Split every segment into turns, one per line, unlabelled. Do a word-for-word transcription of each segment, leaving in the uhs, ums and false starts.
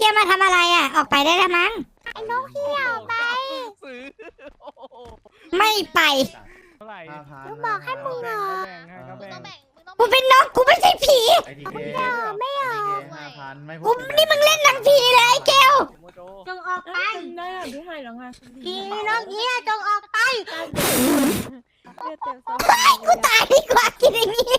เกมมาทำอะไรอ่ะออกไปได้แล้วมั้ง
ไอ้นกเหี้ยไป
ไม่ไป
กูบอกให้มึงเหรอ
กูเป็นนกกูไม่ใช่ผีกูนี่มึงเล่นหนังผีเลยไอ้เกล
จงออกไป
ได้อ่ะพี่ให้แล้วไง
ผีนกเหี้ยจงออกไป
ไปกูตายดีกว่ากินอย่างนี้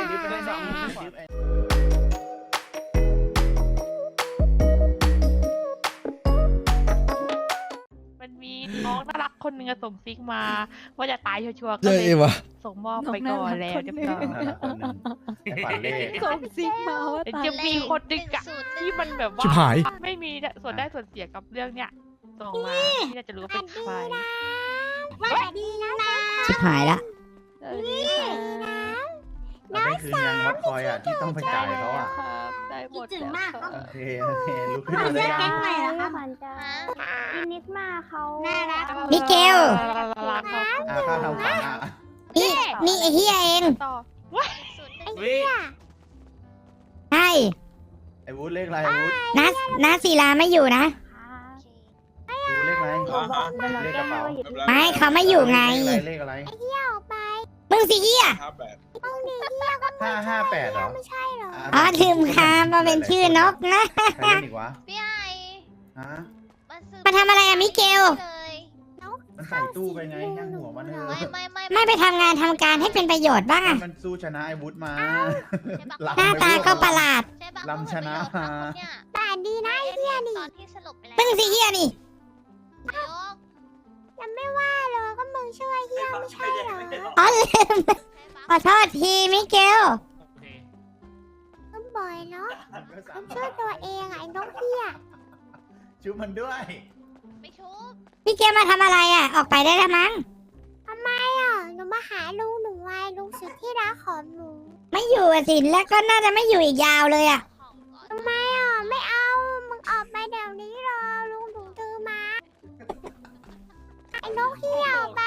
มันมีน้องน่ารักคนหนึ่งส่งซิกมาว่าจะตายชัวร์ๆก็
ใช่
เลย
วะ
ส่งมอบไปก่อนแล้วเรียบร้อย
ส่งซิกมาว่าตาย
จะมีคนดึงอะที่มันแบบว่า
ชิบหาย
ไม่มีส่วนได้ส่วนเสียกับเรื่องเนี้ยส่งมาที่น่าจะรู้ว่าเป็นใคร
ว่าดีนะนะ
ชิบหายละ
สวัสดีค่ะ
น้องสาววัดคอยอ่ะที่ต้องไปจ่ายเขาอ่ะ
ครับได้หมดแล้วครับ
โอเคโอเคลุกขึ้น
ขอ
มาเล
เลื
ย
อกแก๊งใหม่เหรอครับ
อินิกมาเขา
น่ารัก
มิเกล
รักครับ
อ่าข้าวทำขวัญอ่ะ
นี่นี่ไอ้เฮียเอง
ต่อ
ไอ้เหี้ย
ใช่
ไอ้วุฒิเลขอะไรวุฒิ
น้าน้าศิลาไม่อยู่นะ
วุฒิเลขอะไรเลขกระเป๋า
ไม่เขาไม่อยู่ไง
เลขอะไร
ไอ้เหี้ยออกไป
มึงสิเฮีย
มึงดีเหี้ยก็
ห้าห้าแปดเหรอ
ไม่ใช่เหรอ
อ๋อลืมคำมาเป็นชื่อนกนะ
ใครเล่นอีกวะ
พี่ไอ
ฮะ
มาทำอะไรอะมิเกล
เลย
มันใส่ตู้ไปไงย่างหัวมันเถ
ไม่
อะ
ไม่ไม่
ไม่ไปทำงานทำการให้เป็นประโยชน์บ้างอะ
มันสู้ชนะไอ้วุฒิมา
หน้าตาก็ประหลาด
ใช่ปะ
ลำชนะ
เขา
มา
หมดประโยชน์ปะคนเนี่ย
แต่ดีนะไอ้เหี้ยนี่
ตอนที่สลบไปแล้ว
มึงสิเฮียนี่
ยก
ยังไม่ว่าเลยก็มึงช่วยเหี้ยไม่ใช่เหรอ
อ๋อลืม
ใช่ปะ
ขอโทษทีมิเกล
ก็บ่อยเนาะต้องช่วยตัวเองอะไอ้นกเหี้ย
ชุบมันด้วย
ไม่ชุบ
พี่เกลมาทำอะไรอ่ะออกไปได้แล้วมั้ง
ทำไมอ่ะหนูมาหาลุงหนูไงลุงสุดที่รักของหนู
ไม่อยู่อะสิแล้วก็น่าจะไม่อยู่อีกยาวเลยอ่ะ
ของก่อน
ทำไมอ่ะไม่เอา มึงออกไปเดี๋ยวนี้รอลุงถูถือมา ไอ้นกเหี้ยออกไป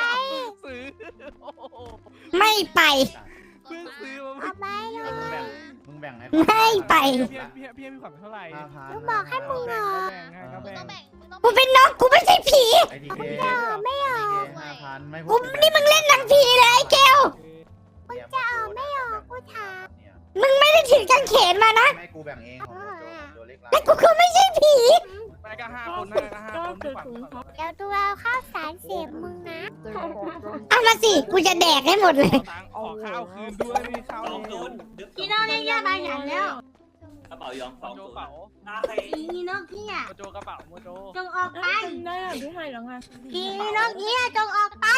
ไม่ไป
เพิ่งซื้อ
ออกไปเล
มึงแบ่
ย
งมึงแบ่งให้
ไม่ไป
พี่พี่พี่มีขวัญเท่าไหร่
ห้าพัน
ลุงบอกให้มึงเหรอ
แบ่งให้ก็
มึง
แบ่
ต้อง งแบ่งมึงต้อง
กูเป็นนกกูไม่ใช่ผี
ไอ้ทีเค
ไม่ออก
ห้าพันไม่
กูนี่มึงเล่นหนังผีเลยไอ้เกล
มึงจะออกไม่ออกกูถาม
มึงไม่ได้ถือกางเขนมานะ
ไม่กูแบ่งเองของตัวเล็ก
และกูก็ไม่ใช่ผี
ไปก็ห้าคนนะก็ห้าคนขวัญ
เดี๋ยวดูเอาข้าวสารเสียบมึงนะ
เอามาสิกูจะแดกให้หมดเลย
ตังค์ขอข้าวคืนด้วยมีข้าว
สองศูนย์
พี่น้องเรียกยาบาหยันแล้ว
กระเป๋ายองสอง
โจ
ศูน
เป๋า
ย์อาเค
ผีนกเหี้ย
โมโจกระเป๋าโมโจ
จงออกไป
ได้อ่ะพี่ให้แล้วไง
ผีนกเหี้ยจงออกไป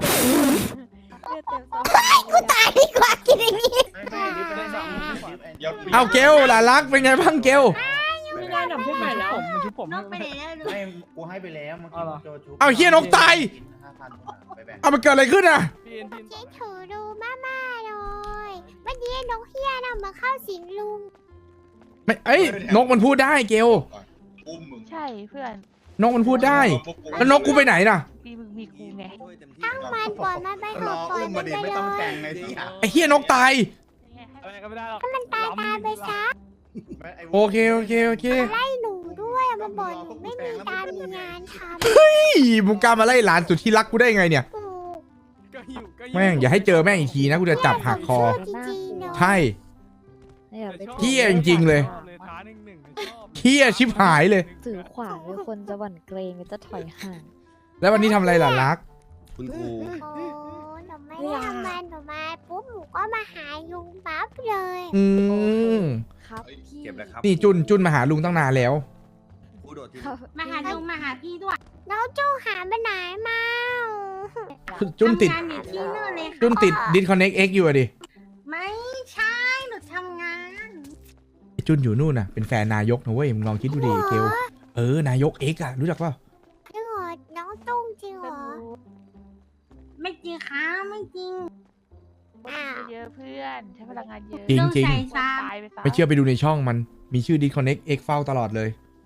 กูตายดีกว่ากินอย่างนี้
ไม่ไม่ดิบไม่ได้สองดิบ
เอาเกลหลานรักเป็นไงบ้างเกล
ไม่ได้หนับพี่ใหม่แล้วมันชุบผม
นกไปไหนแล้วลูก
ไม่กูให้ไปแล้วเมื่อกี้โจชุบ
เอาเฮียนกตาย
ห้าพันไปแบ่ง
เอามันเกิดอะไรขึ้นอ่ะ
พี่พี่
เจ๊ถือดูมาม่าเลยเมื่อกี้นกเหี้ยน่ะมาเข้าสิงลุง
ไม่เอ้ยนกมันพูดได้เกล
อุ้มมึง
ใช่เพื่อน
นกมันพูดได้ แล้วนกกูไปไหนน่ะ
มีมึงมีกูไง
ตั้งมันปล่อยมันไปเถ
ร
อะ
อ
ปล่อย
อุ้ม
มั
มาน ดิ
ไป
ไม่
เล
ต้อง
ย
แต่งไงที่อ่ะ
ไอ้เฮียนกตาย
อะไรก็ไม่ได้หรอก
มันตายตายไปซะ
โอเคโอเคโอเค
ไล่หนูด้วยมาบอกหนูไม่มีการมีงานทำ
พี่มึงกล้ามาไล่หลานสุดที่รักกูได้ไงเนี่ย
กู
ก็หิวก็หิว
แม่งอย่าให้เจอแม่งอีกทีนะกูจะจับหักคอ
จริงๆเนาะ
ใช่ เหี้ยจริงๆเลย
ท้าหนึ่งหนึ่งชอบ
เฮียชิบหายเลย
ถือขวานเลยคนจะหวั่นเกรงจะถอยห่าง
แล้ววันนี้ทำอะไรล่ะรัก
คุณครู
โอ้หนูไม่ได้ทำงานหนูมาปุ๊บหนูก็มาหาลุงปั๊บเลย
อืม
ครับพี่
เก็บเลยครับ
นี่จุนจุนมาหาลุงตั้งนานแล้ว
ครูโดดที่
ครับ
มาหาลุงมาหาพี่ด้วยแล้วจูหาไปไหนมา
จุนติด
ทำงานอยู่ที่นู่นเลยค่ะ
จุนติด disconnect x อยู่อะดิ
ไม่ใช่หนูทำงาน
ไอ้จุนอยู่นู่นน่ะเป็นแฟนนายกนะเว้ยมึงลองคิดดูดิเกลเออนายก X อ่ะรู้จักเปล่า
จริงเหรอน้องตุ้งจริงเหรอไม่จริงค่ะไม่จริงอ้าว
เยอะเพื่อนใช้พลังงานเยอะ
จริงจริง
ใส่ซา
ตายไปซะ
ไม่เชื่อไปดูในช่องมันมีชื่อ disconnect x เฝ้าตลอดเลย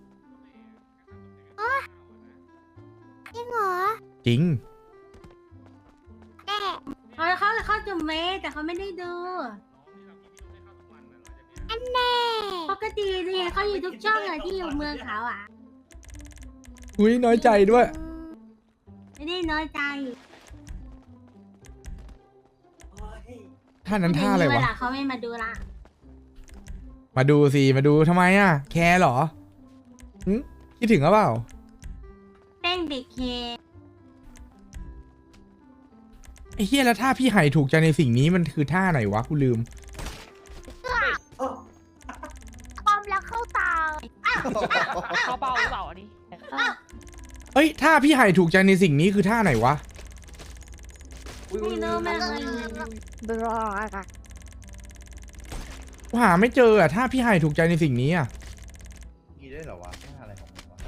จริงเหรอ
จริง
แต่เขาเขาเขาจุ่มเมแต่เขาไม่ได้ดู อันแน่
ปกติเนี่ยเขาอยู่ทุกช่องอะที่อยู่เมืองเขาอ่ะ
อุ้ยน้อยใจด้วย
ไม่ได้น้อยใจ
ท่านั้นท่าอะไร
เว
วะ
ลาเขาไม่มาดูละ
มาดูสิ มาดูทำไมอ่ะ แคร์เหรอหึคิดถึงหรือเปล่า
เต้นเด็กเค
ไอ้เฮียแล้วท่าพี่ไห่ถูกใจในสิ่งนี้มันคือท่าไหนวะกูลืม
ความรักเข้าตา
เขาเบาหรือเปล่าอันนี้
เอ้ยท่าพี่ไห่ถูกใจในสิ่งนี้คือท่าไหนวะ
ไม่รู้ไม่เคย
บรออะ
กูหาไม่เจออ่ะท่าพี่ไห่ถูกใจในสิ่งนี้อ่ะ
มีด้วยเหรอวะท่าอะไรของมึงวะ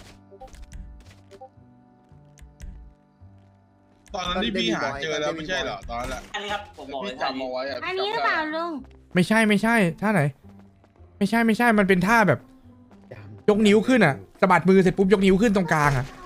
ตอนนั้นที่พี่หาเจอแล้วไม่ใช่เหรอตอนนั้นแหละ
อันนี้ครับผมบอกเล
พี่
ย
จำเอาไว้อะ
อันนี้หรือเปล่าลุง
ไม่ใช่ไม่ใช่ท่าไหน ไม่ใช่ไม่ใช่มันเป็นท่าแบบ
จำ
ยกนิ้วขึ้นอ่ะสะบัดมือเสร็จปุ๊บยกนิ้วขึ้นตรงกลางอ่ะ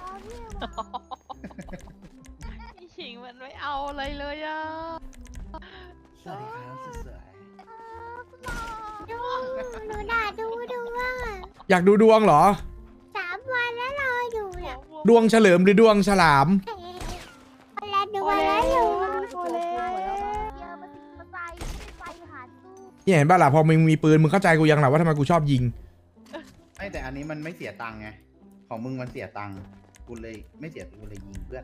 พี่ชิงมันไม่เอาอะไรเลยอ่ะ
สวัสดีครับสวย
ดูหนูด่าดูดูว่า
อยากดูดวงเหรอ
สามวันแล้วรออยู่เนี่ย
ดวงเฉลิมหรือดวงฉลาม
แล้วดูแล้วอยู่
โอเล่เยอะมาสิมาใส่ไปหาตู้
เนี่ยเห็นป่ะล่ะพอมึงมีปืนมึงเข้าใจกูยังหรอว่าทำไมกูชอบยิง
ๆไม่แต่อันนี้มันไม่เสียตังค์ไง ของมึงมันเสียตังค์ กูเลยไม่เสียกูเลยยิงเพื่อน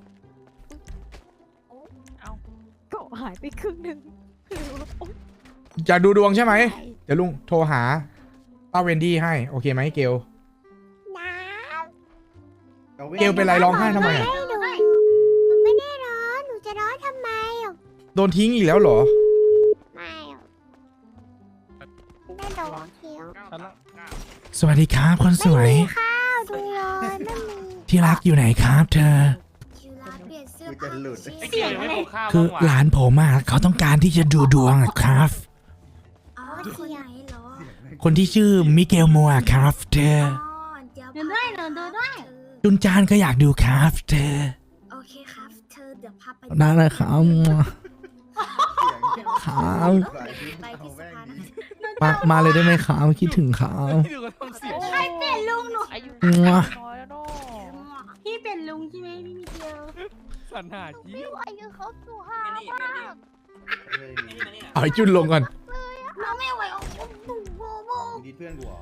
ก็หายไปครึ่งหนึ่ง
อยากดูดวงใช่ไหม เดี๋ยวลุงโทรหาป้าเวนดี้ให้ โอเคไหมเกล
น้
เกลเป็นไรร้องไห้ทำไม
ำ
อะ
ให้หนูหนูไม่ได้ร้อนหนูจะร้อนทำไมอ่ะ
โดนทิ้งอีกแล้วเหรอ
ไม่อ่ะไม่โดนเคี้ยว
สวัสดีครับคนสวย
ข้าวดูเลยไม่มี
ที่รักอยู่ไหนครับเธอ
คิวร้านเปลี่ยนเสื้อ
กูจะหลุด
ผ้า
เสียงอะไร
คือหลานผมอ่ะเขาต้องการที่จะดูดวงอะครับ
อ๋อเสียงเหรอ
คนที่ชื่อมิเกลโมอะครับเธอ
เดี๋ยว
ดูด้วยหนูดูด้วย
จุนจานก็อยากดูครับเธอ
โอเคครับ เธอเดี๋ยวพาไป
ได้เลยครับ
เสียง
ครับ
ไปที่สะพานนะ
มามาเลยได้ไหมครับคิดถึงครับ
ใครเป็นลุงหนู
อายุ
งัว
น้อยแล้วเนาะ
พี่เป็นลุงใช่ไหมพี่มิเกล
ไม่ไหวอยู่เขาสุภาพมาก
เฮ้ยมี
เอาไอ้จุนลงก่อน
เราไม่ไหวโอ้โหโบโบ
มึงดีเพื่อนกูเหรอ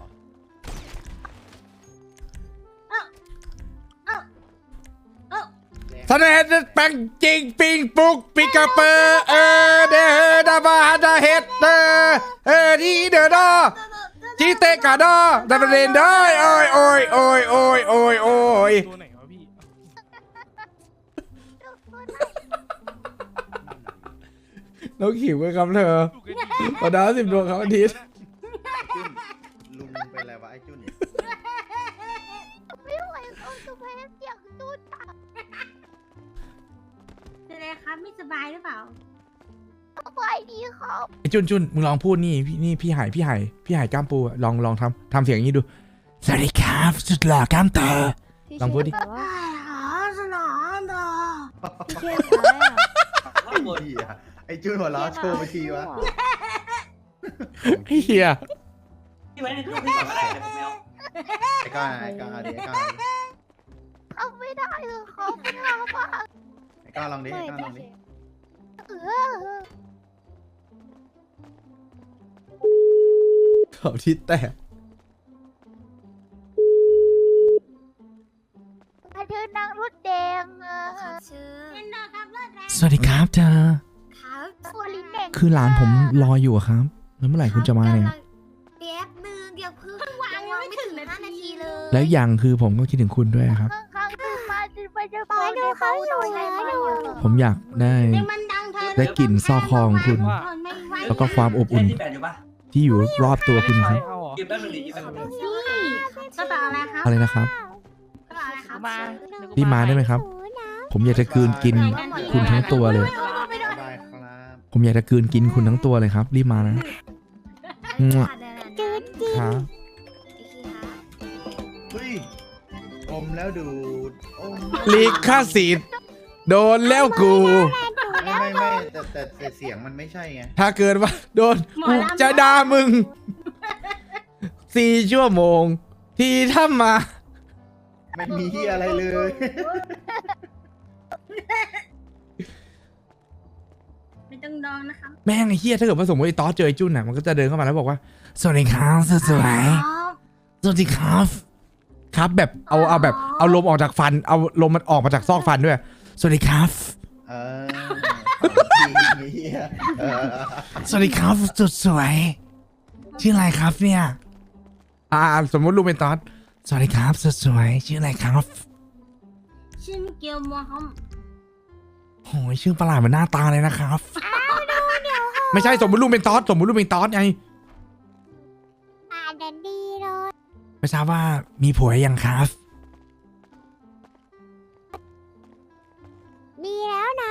สนเดแปงจริงปิงปุกปิกาเปอร์เออเดอดาบาดาเฮดเดอเออที่เดอดอจีเตกาดอดาบเรนได้โอ้ยโอ้ยโอ้ยโอ้ยโอ้ยโอ้ย
ตัวไหนวะพี่
น้องขิวกันครับเธอตอนดาวสิบดวงครับอาทิตย์
จุนลุงเป็นอะไรวะไอ้จุน
ไม่ไหวเขาสุภาพเสียงจุดอะ
เป็นไรครับไม่สบายหรือเปล่า
สบายดีครับ
ไอ้จุนจุนมึงลองพูดนี่พี่นี่พี่หายพี่หายพี่หายกล้ามปูอะลองลองทำทำเสียงอย่างนี้ดูสวัสดีครับสุดหล่อกล้ามเตอ
พี่
ลองพูดดิ
เชื่อว่า
อ๋อสนองดอ
พี่เชื่ออะไรอ่ะ
ไอ้เหี้ยไอ้จุนหัวเราะโชว์ไปทีวะ
ไอ้เฮีย
ที่ไว้ในตู้พี่ก่อนก็ได้เดี๋ยวผมไม่เอา
ไอ้ก้อนไอ้ก้อนเอาดิไอ้ก้อนเอาดิ
ทำไม่ได้เลยเขาไม่ทำอ่ะ
ไอ้ก้อนลองดิไอ้ก้อนลองดิ
เออ
เขาทิศแตก
มาเธอนั่งรถแดงอ่ะ
เป็นดอครับเลิศแล้ว
สวัสดีครับเธอ
ครับ
ตัวลิ้นแดง
คือหลานผมรออยู่อะครับ แล้วเมื่อไหร่คุณจะมาเนี่ย
แป๊บนึงเดี๋ยวเพิ่งวางยังไม่ถึงห้านาทีเลย
แล้วอย่างคือผมก็คิดถึงคุณด้วยครับ
ข้างๆตื่นมาตื่นไปจะ
ปล่อยดูเขาอยู่
ใช่
นะ
ไหม
อยู่
ผมอยากได้
เดี๋ยวมันดังเธอ
ได้กลิ่นซอกคอของคุณ
ไม่ไหว
แล้วก็ความอบอุ่น
ที่แปดอยู่ปะ
ที่อยู่รอบตัวคุณครับ
หยิบแป๊บนึงดิหยิบแป๊บนึงดิ
นี่กระเป๋าอะไรครับ
อะไรนะครับ
กระเป๋าอะไรครับ
มา
รีบมาได้ไหมครับ ผมอยากจะกลืนกินคุณทั้งตัวเลย
ได้ครับ
ผมอยากจะกลืนกินคุณทั้งตัวเลยครับ รีบมานะมั่ว
จืดจืด
ครับ
เฮ้ยอมแล้วดูดอม
ลิขสิทธิ์โดนแล้วกู
ไม่ไม่ไม่แต่แต่แต่เสียงมันไม่ใช่ไง
ถ้าเกิดว่าโดนกูจะด่ามึง
ห
สี่ชั่วโมง ที่ทำมา
ไม่มีที่อะไรเลย
ไม่ต้องดองนะครับ
แม่งไอ้เฮียถ้าเกิดว่าสมมติไอ้ตอสเจอไอ้จุนอ่ะมันก็จะเดินเข้ามาแล้วบอกว่าสวัสดีครับสวยๆสวัสดีครับครับแบบเอาเอาแบบเอาลมออกจากฟันเอาลมมันออกมาจากซอกฟันด้วยสวัสดีครับ
เออจริงเหี้ยเออ
สวัสดีครับสุดสวยชื่ออะไรครับเนี่ยอ่าสมมติลุงเป็นตอสสวัสดีครับสุดสวยชื่ออะไรครับ
ชื่อมิเกลมัวครับ
โอ้ยชื่อประหลาดเหมือนหน้าตาเลยนะครับไม่ใช่สมมติลุงเป็นตอสสมมติลุงเป็นตอสไง
อ่าดันดีเลย
ไม่ทราบว่ามีผัวยังครับ
มีแล้วนะ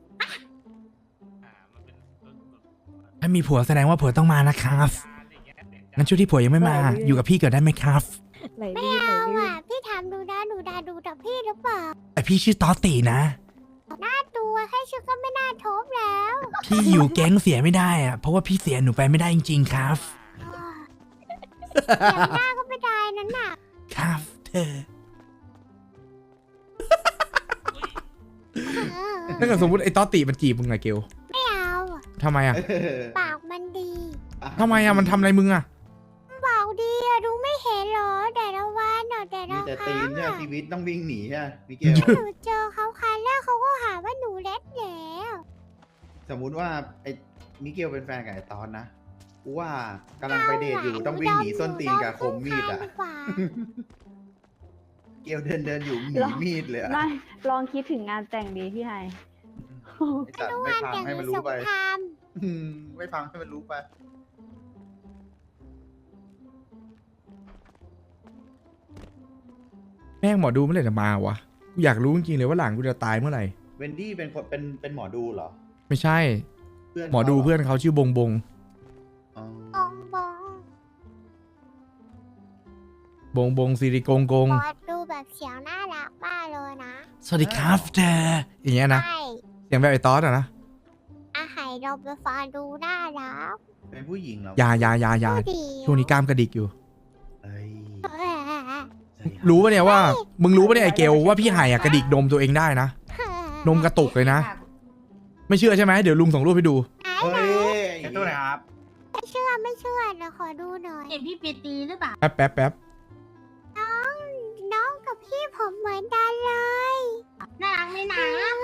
ถ้ามีผัวแสดงว่าผัวต้องมานะครับงั้นช่วงที่ผัวยังไม่มาอยู่กับพี่เกิดได้ไหมครับ
ไหล
ไม่
ลื่นไหล
เอา
ลื่น
อ่ะพี่ถามดูนะดูดาดูแต่พี่หรือเปล่า
แต่พี่ชื่อตอสตีนะ
หน้าตัวแค่ชื่อก็ไม่น่าทบแล้ว
พี่อยู่แก๊งเสียไม่ได้อะเพราะว่าพี่เสียหนูไปไม่ได้จริงๆครับ
เสียงหน้าก็ไม่ได้นั่นน่ะ
ครับเธอ
เออ
ถ้าเกิดสมมติไอ้ตอสตีมันจีบมึงไงเกล
ไม่เอาอะ
ทำไมอะ
เออ
ปากมันดี
ทำไมอะมันทำอะไรมึงอะ
ปากดีอะดูไม่เห็นเหรอแต่ละวันเนาะแต่
มี
ละ
แต่
ค
ตี
รั้
น
ง
เนี่ย
อะ
ชีวิตต้องวิ่งหนีใช่ไหมมิเกล
หนูเจอเขาครั้งแรกเขาก็หาว่าหนูเล็ดแล้ว
สมมุติว่าไอ้มิเกลเป็นแฟนกับไอ้ตอนนะกูว่ากำลังไปเดทอยู่ต้องวิ่งหนีส้นตีนกับคมมีดอ่ะ
เาดีกว่า
เกลเดินเดินอยู่หนีมีดเลยอะ
ไม่ลองคิดถึงงานแต่งดีพี่ไฮ
ไอ้สัตว์ไม่พังให้มันรู้ไป
แต่งสงคราม
อืมไม่พังให้มันรู้ไป
แม่งหมอดูเมื่อไหร่จะมาวะกูอยากรู้จริงๆเลยว่าหลังกูจะตายเมื่อไหร่
เวนดี้เป็นคนเป็นเป็นหมอดูเหรอ
ไม่ใช่
เพื่อน
หมอดู
ขา
เพื่อนเขาชื่อบงบง
อ๋อ
บองบอง
บงบงสิริกงกง
บอสดูแบบเสียงน่ารักมากเลยนะ
สวัสดีครับเธออย่างเงี้ยนะ
ใช่
เสียงแบบไอ้ตอสอะนะ
อาหายเราไปฟังดูน่ารัก
เป็นผู้หญิงเหรอ
อยาอยาอยาอยา
ดูดี
ช่วงนี้กล้ามกระดิกอยู่
เอ้ย
เออ
สวัสดีคบ
รู้ปะเนี่ยว่า มึงรู้ปะเนี่ยไอ้เกลว่าพี่ไห่อะกระดิกนมตัวเองได้นะ นมกระตุกเลยนะ ไม่เชื่อใช่ไหมเดี๋ยวลุงส่งรูปให้ดู
เฮ้ย
แค่ตัวไหนครับ
ไม่เชื่อไม่เชื่อเดี๋ยวขอดูหน่อย
เห็นพี่เปียตีหรือเปล่า
แป๊บแป๊บแป๊บ
น้องน้องกับพี่ผมเหมือนกันเลย
น่ารักไหมนะ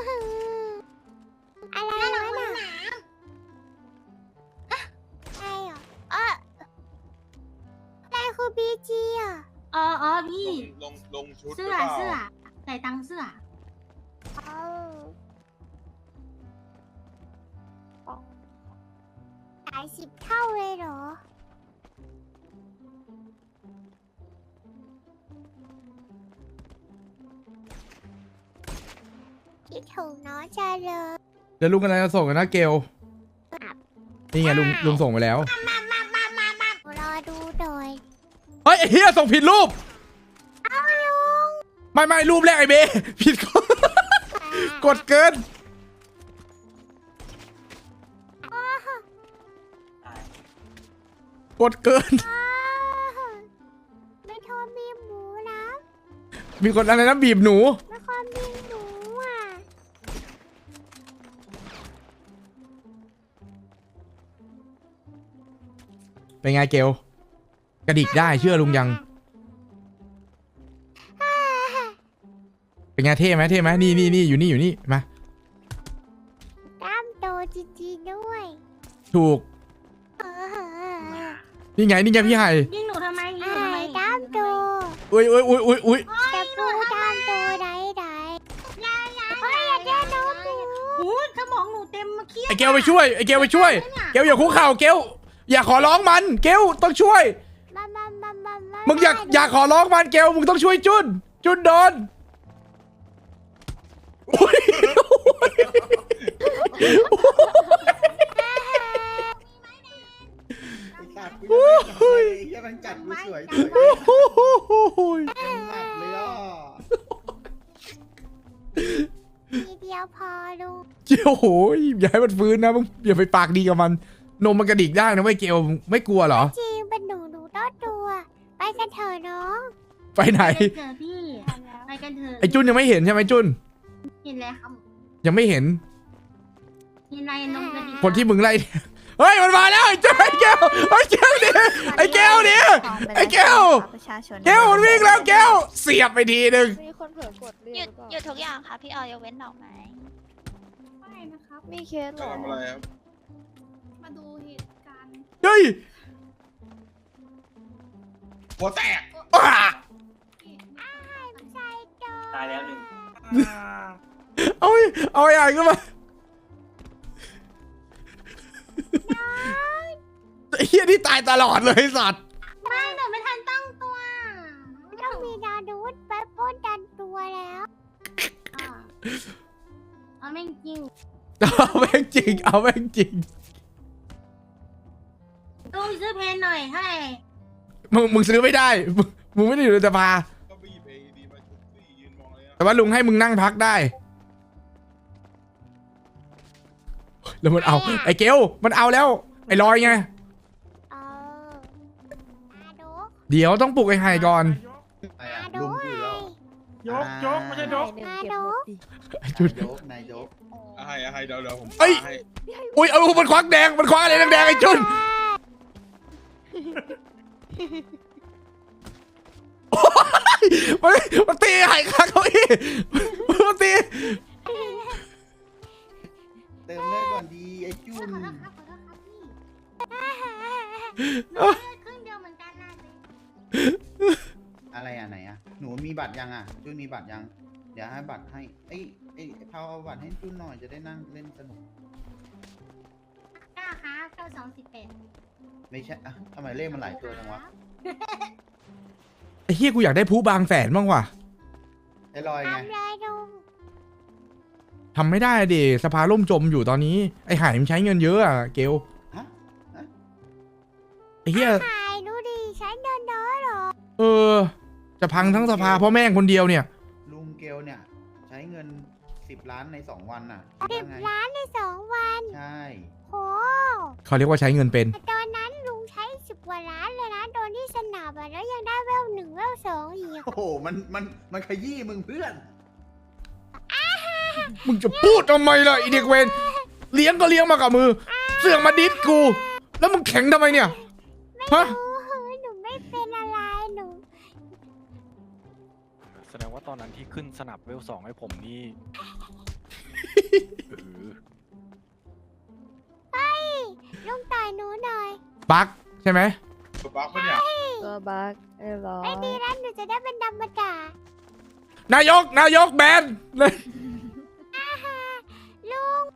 อะไร
น่ารัก
วะ
ไหม
น่ะ
นะ
ใช่เหรอเอออะไรคือบีจีอ่ะ
อ๋ออ๋อ
ล
พี่
งลงลงชุด
เสื้อ
หรืปล่า
เสื้อใส่ตังค์เสื้อ
เอาหลายสิบเท่าเลยเหรอ คิดถึงน้องจังเลย
เดี๋ยวลุงกำลังจะส่งกันนะเกลนี่ไงลุงลุงส่งไปแล้ว
รอดูหน่อย
เฮ้ยไอ้เฮียส่งผิดรูป
เอาลุง
ไม่ไม่รูปแรกไอ้เบ ผิดคนกดเกิน กดเกิน
อ้าวไม่ทอมีหมูนะ
มีคนอะไรนะบีบหนู
ไม่ทอมีหนูอ่ะ
เป็นไงเกลกระดิกได้เชื่อลุงยัง เป็นไงเท่ไหมเท่ไหมนี่นี่นี่อยู่นี่อยู่นี่มา
กล้ามโตจริงๆด้วย
ถูก
เออ
นี่ไงนี่ไงพี่ไห่
ยิงหนูทำไมยิงหนู
ไอ้
ทำไม
กล้ามโต
อุ้ยอุ้ยอุ้ยอุ้ยอุ้ย
แต่ปูกล้ามโตไหนไหนเฮ้ยอย่าเจ้าน้องปู
โอ้ยสมองหนูเต็มมาเครียด
ไอเกลไปช่วยไอเกลไปช่วยเกลอย่าคุกเข่าเกลอย่าขอร้องมันเกลต้องช่วย
มามามามามา
มึงอยากอยากขอร้องมันเกลมึงต้องช่วยจุนจุนโดนอุ๊ย
ไอ้สัตว์กูยังไม่ทำอะไรเลยไอ้เหี้ยมันกัดกูสวยสวย
โอ้โห
ยังหนักเลยอ่ะ
ทีเดียวพอลูก
เจ้าโหยอย่าให้มันฟื้นนะมึงอย่าไปปากดีกับมันนมมันกระดิกได้นะไม่เกลไม่กลัวเหรอ
จริงเป็นหนูหนูต้อตัวกันเถอะน้อง
ไปไหน
ไปกันเถอะพี่ไปกันเถอะ
ไอ้จุนยังไม่เห็นใช่ไหมจุน
เห็นแล้วครับ
ยังไม่เห็น
เห็นอะไรน้องกันดี
คนที่มึงไล่เฮ้ยมันมาแล้วไอ้เจ้าไอ้แก้วไอ้แก้วดิไอ้แก้วดิไอ้แก้ว
ประชาชน
แก้วมันวิ่งแล้วแก้วเสียบไปทีหนึ่ง
มีคนเผลอกดเรี
ห
ย
ยุ
ก
ด
หรือเปล่า
หยุดทุกอย่างค่ะพี่ออยยกเว้นดอกไม้
ไม่นะครับ
มีเคสเหร
จะ
อ
ทำอะไรครับ
มาดูเหตุการณ์
เฮ้ย
หัวแตก
อ้า
ใจโต
ตายแล้วหนึ่ง
เอาไอ้เอาไอ้ใหญ่ขึ้นมาไอ้เฮียนี่ตายตลอดเลยไอ้สัตว์
ไม่หนูไม่ทันตั้งตัว
ต้องมีดาดูดไปป้นดันตัวแล้ว
อ่าเอาแม่งจริง
เอาแม่งจริงเอาแม่งจริง
ลุงซื้อเพนหน่อยให้
มึงมึงซื้อไม่ได้มึงมึงไม่ได้อยู่ในสภา
ก็ไปหยิบเอดีมาชุบสิยืนมองเลยนะ
แต่ว่าลุงให้มึงนั่งพักได้ แล้วมันเอา ไอ้เกลมันเอาแล้ว ไอ้ลอยไง
เออดาดูด
เดี๋ยวต้องปลุกไอ้ไห่ก่อน
ไอ้อะ
ดา
ลุ
ดู
ง
ด
คุยแล้ว
ยกยกไม่ใช่ยก
เดี๋ยวเก็บรถดิ
ไอ้จุด
นายกนายก
อะไรอะไรเดี๋ยวเดี๋ยวผม
เอ้ย
ให้
อุ้ยเอามันควักแดงมันควักอะไรแดงๆไอ้จุนโอ๊ยมันมันตีไห่ข้างเขาอีกมันตี
เติมเลือดก่อนดีไอ้จุ
ขอน โทษครับขอโทษครับพี่หนูเลือดครึ่งเดียวเหมือนกันนะ
อะไรอ่ะไหนอ่ะหนูมีบัตรยังอ่ะจุนมีบัตรยังเดี๋ยวให้บัตรให้ไอ้ไอ้พาวเอาบัตรให้จุนหน่อยจะได้นั่งเล่นสนุก
เก้าครับเก้าสองสิบแปด
ไม่ใช่อ่ะทำไมเลขมันหลายตัวจังวะ
ไอ้เฮียกูอยากได้ผู้บางแสนบ้างว่ะ
ไอ้ลอยไง
ทำเลยลุง
ทำไม่ได้ดิสภาล่มจมอยู่ตอนนี้ไอ้ไห่มันใช้เงินเยอะอะเกล
ฮะ
ไอ้เฮีย
ถ่ายดูดิฉันเดินน้อยหรอ
เออ จะพังทั้งสภาเพราะแม่งคนเดียวเนี่ย
ลุงเกลเนี่ย ใช้เงินสิบล้านในสองวันน่ะ
สิบ
ว่าไง
ล้านในสองวัน
ใช่
โห
เขาเรียกว่าใช้เงินเป็น
แต่ตอนนั้นลุงใช้สิบกว่าล้านเลยนะโดนที่สนามอะแล้วยังได้เวลหนึ่งเวลสองอีก
โอ้โหมันมันมันขยี้มึงเพื่อน
มึงจะพูดทำไมล่ะไอเด็กเวนเลี้ยงก็เลี้ยงมากับมือ เสือกมาดิสกู แล้วมึงแข็งทำไมเนี่ยฮะ
โอ้โหหนูไม่เป็นอะไรหนู
แสดงว่าตอนนั้นที่ขึ้นสนับเวลสองให้ผมนี่ เออ
ลุงต่อยหนูหน่อย
บักใช่ไหม
ตัวบักปะเนี่ย
ตัวบักเรียบร้อย
ไม่ดีแล้วหนูจะได้เป็นดำมาด่าน
ายกนายกแบนเลย
ลุง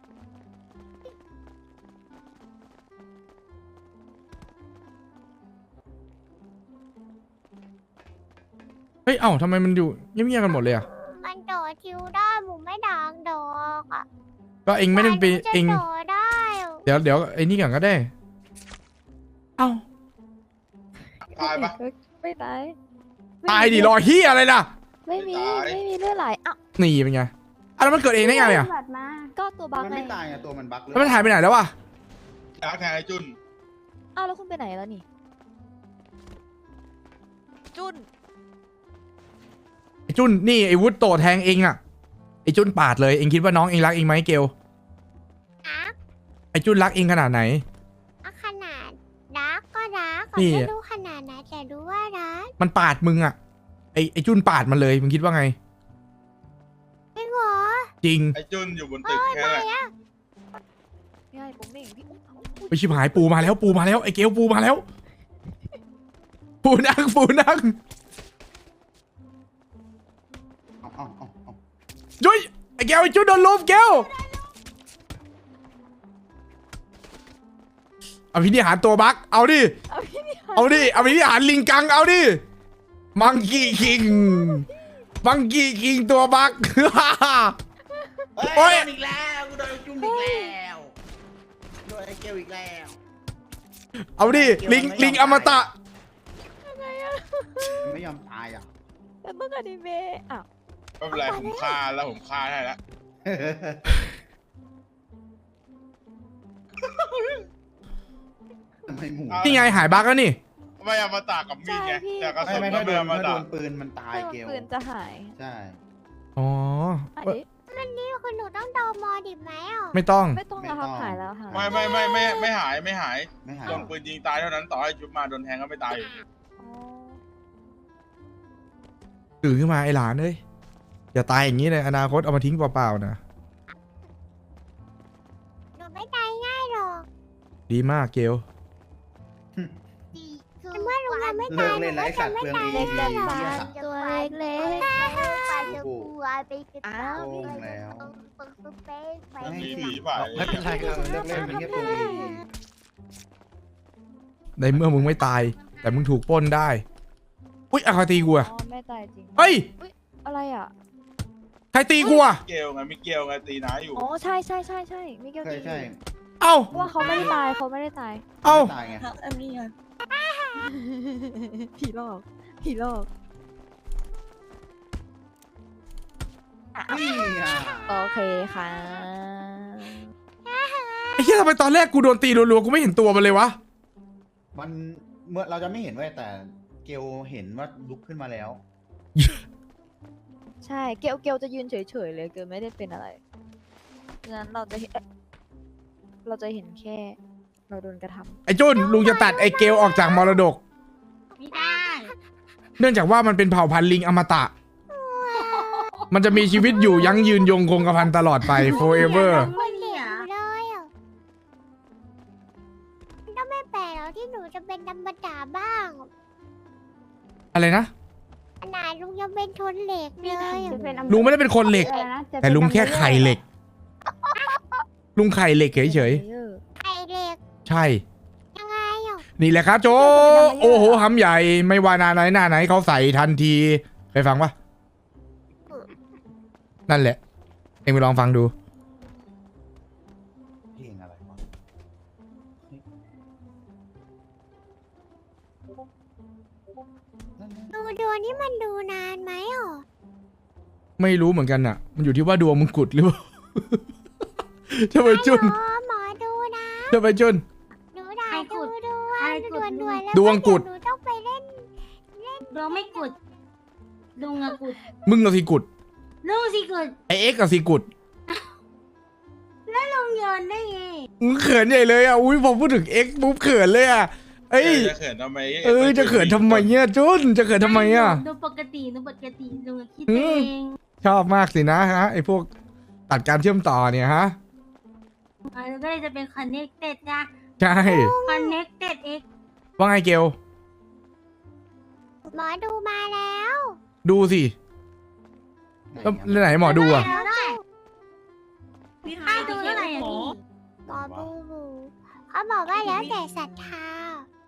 เฮ้ยเอ้าทำไมมันอยู่เงียบๆกันหมดเลยอ่ะ
มันโดดทิวได้หมูไม่ดังดอกอ่ะ
ก็เองไม่ได้ไป
หนูจะ
เอง
โดดได้
เดี๋ยวเดี๋ยวไอ้นี่ก่อนก็ได้ เอ้า
ตายปะ
ไม่ตาย
ตายดิรอเฮียอะไรล่ะ
ไม่มี
ไม่ตาย
ไม่มีเลือดไหลอ้าว
นี่เป็นไงอ่ะแล้วมันเกิดเองได้ไงอ่ะ
บัตรมา
ก็ตัวบัก
มัน
ไง
ไม่ตายอ่ะตัวมันบั๊กเลย
แล้วมันหายไปไหนแล้ววะ
อยากแทนไอ้จุน
อ้าวแล้วคุณไปไหนแล้วนี่ จุน
ไอ้จุนนี่ไอ้วุฒโตแทงเองอ่ะไอ้จุนปาดเลยเองคิดว่าน้องเองรักเองไหมเกล
อ่ะ
ไอ้จุนรักเองขนาดไหน
อ่ะขนาดรักก็รัก
นี่
ไม่รู้ขนาดไหนแต่รู้ว่ารัก
มันปาดมึงอ่ะไอ้ไอ้จุนปาดมันเลยมึงคิดว่าไง
จริงเหรอ
จริง
ไอ้จุนอยู่บนตึกแค่นั้นแหละ
ง่ายผมเองพี่
ไปชิบหายปูมาแล้วปูมาแล้วไอ้เกลปูมาแล้ว ปูนั่งปูนั่ง
เอาเอาเอาเอา
ยุ้ยไอ้เกลไอ้จุนโดนลุมเกลอภินิหารตัวบักเอาดิ
เอาพี่นี่
เอาดิอภินิหารลิงกังเอาดิมังกี้คิงมังกี้คิงตัวบัก โอ๊ย
โดนอีกแล้วกูโดนจุ่มอีกแล้วโดนไอ้เกลอีกแล้ว
เอาดิลิงลิงอมตะ
มันไม่ยอมตายอ่ะ
แต่เมื่อกี้เมย์อ้าว
ไม่เป็นไรผมฆ่าแล้วผมฆ่าได้แล้ว
ทำไมหมู
เอา
นี่ไงหายบักแล้วนี่
ทำไมไม่เอามาตากกับมีดไง
ใช่พี่
แต่กระ
ไม่
สุน
ไม่
ก็
ถ้าโด
ไม่
น
เอามา
ถ้าโด
ตาก
นปืนมันตาย
ถ้าโดน
เกล
ปืนจะหาย
ใช่
อ๋อ
อันนี้
นี่คือหนูต้องดอมอดิบไหมอ่ะ
ไม่ต้อง
ไม่ต้องแล้วครับหายแล้วหาย
ไม่ไม่ไม่ไม่ไม่หายไม่หาย
ไม่หาย
โดนปืนยิงตายเท่านั้นต่อให้ชุบมาโดนแทงก็ไม่ตายอยู่ดี
อ๋อ
ตื่นขึ้นมาไอ้หลานเอ้ยอย่าตายอย่างนี้เลยอนาคตเอามาทิ้งเปล่าๆนะ
หนูไม่ตายง่ายหรอก
ดีมากเกล
แต่เมื่อลุงยังไม่
เลิ
ตาย
ก
หนู
เล่นแล้ว
ก็
ไอ้
จะ
สัตว์
ไม่
เปลือง
ตาย
เอ
หรอก
เหี้ย
ตัวเล็ก
ปลาจะกลัวไปกระ
อ้า
เป๋าว
โกงแล้ว
ปึกปึกเป๊กไป
มี
นี่
ผีป่ะ
ไม่เป็นไรครับ
เลิกเล่นเป็นแค่เปลืองเอ
ในเมื่อมึงไม่ตาย แต่มึงถูกปล้นได้อุ้ยอะใครตีกู
อ๋
อะ
อไม่ตายจริง
เฮ้ย
อะไรอ่ะ
ใครตีกูอะ
เกลไงมีเกลไงตีน้าอยู่
อ๋อใช่ใช่ใช่ใช่มิเกล
ใช่
ตี
ใช่
เอ้า
เพราะว่าเขาไม่ได้ตายเขาไม่ได้ตาย
เอ้า
ตายไง
อันนี้ไงผีหลอกผีหลอก
นี่อ่ะ
โอเคค่ะ
ไอ้เหี้ยทำไมตอนแรกกูโดนตีรัวๆกูไม่เห็นตัวมันเลยวะ
มันเมื่อเราจะไม่เห็นเว้ยแต่เกลเห็นว่าลุกขึ้นมาแล้ว
ใช่เกลเกลจะยืนเฉยๆเลยเกลไม่ได้เป็นอะไรฉะนั้นเราจะเห็นเอ๊ะเราจะเห็นแค่ เราโดนกระทำ
ไอ้จุนลุงจะตัดไอ้เกลออกจากมรดก
ไม่ได้
เนื่องจากว่ามันเป็นเผ่าพันธุ์ลิงอมตะ มันจะมีชีวิตอยู่ยั้งยืนยงคงกระพันตลอดไป forever
คนเหลียวเลยอ่ะมันก็ไม่แปลกหรอกที่หนูจะเป็นดำบดาบ้าง
อะไรนะ
ขนาดลุงยังเป็นทนเหล็กเลยอะ
ลุงไม่ได้เป็นคนเหล็ก แต่ลุงแค่ไข่เหล็ก ลุงไข่เหล็กเฉย
ไข่เหล็ก
ๆ ใช่
ยังไงอ่ะ
นี่แหละครับโจ โอ้โหหำใหญ่ ไม่ว่าหนาไหนหน้าไหนเขาใส่ทันทีเคยฟังปะนั่นแหละ เอ็งไปลองฟังดู
เพลงอะไรวะ
ดูดวงนี่มันดูนานไหมอ่ะ
ไม่รู้เหมือนกันอ่ะ มันอยู่ที่ว่าดวงมึงกุดหรือเปล่า จะไปจุน
หมอหมอดูนะ
จะไปจุน
หนูด่าดูดว
ใครง
ด่วนด่วนๆแล้ว
ดวงกุด
หนูต้องไปเล่น
ดวงไม่กุดลุงอะกุด
มึงกับสีกุด
ลุงสิกุด
ไอเอ็กซ์กับสีกุด
แล้วลุงโยนได้ไง
มึงเขินใหญ่เลยอ่ะ อุ้ยพอพูดถึงเอ็กซ์ปุ๊บเขินเลยอ่ะ เอ้ย
จะเขินทำไม
เออ จะเขินทำไมเนี่ยจุน จะเขินทำไมอ่ะ
ดูปกติดูปกติลุงอะคิด
อื
เอ
ม
ง
ชอบมากสินะฮะ ไอพวกตัดการเชื่อมต่อเนี่ยฮะ
อ่าแล้วก็เลยจะเป็น connected นะ
ใช่
connected x
ว่าไงเกล
หมอดูมาแล้ว
ดูสิแล้วแล้วไหนหมอดูอ่ะ
แล้วได้พี่ฮายดูเท่าไหร่อะพี่
หมอบูบูเขาบอกว่าแล้วแต่ศรัทธา